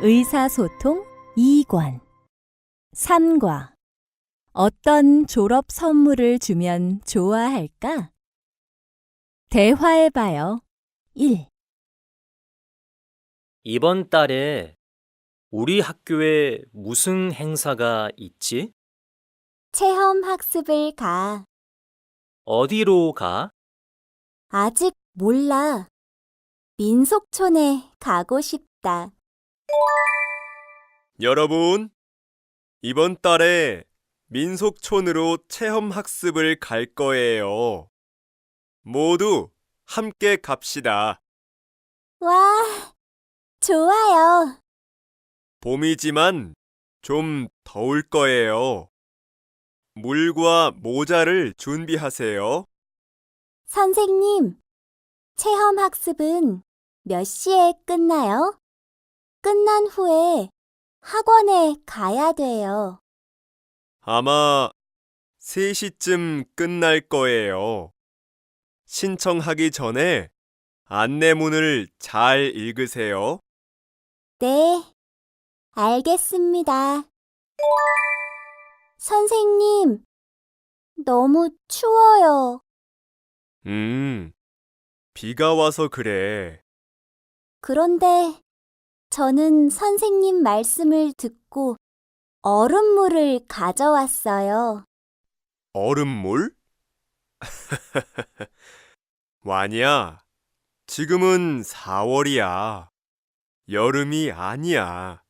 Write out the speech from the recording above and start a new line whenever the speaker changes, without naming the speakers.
의사소통 2권 3과 어떤 졸업 선물을 주면 좋아할까? 대화해봐요. 1.
이번 달에 우리 학교에 무슨 행사가 있지?
체험 학습을 가.
어디로 가?
아직 몰라. 민속촌에 가고 싶다.
여러분, 이번 달에 민속촌으로 체험 학습을 갈 거예요. 모두 함께 갑시다.
와, 좋아요.
봄이지만 좀 더울 거예요. 물과 모자를 준비하세요.
선생님, 체험 학습은 몇 시에 끝나요? 끝난 후에 학원에 가야 돼요.
아마 3시쯤 끝날 거예요. 신청하기 전에 안내문을 잘 읽으세요.
네, 알겠습니다. 선생님, 너무 추워요.
비가 와서 그래.
그런데 저는 선생님 말씀을 듣고 얼음물을 가져왔어요.
얼음물? 와냐, 지금은 4월이야. 여름이 아니야.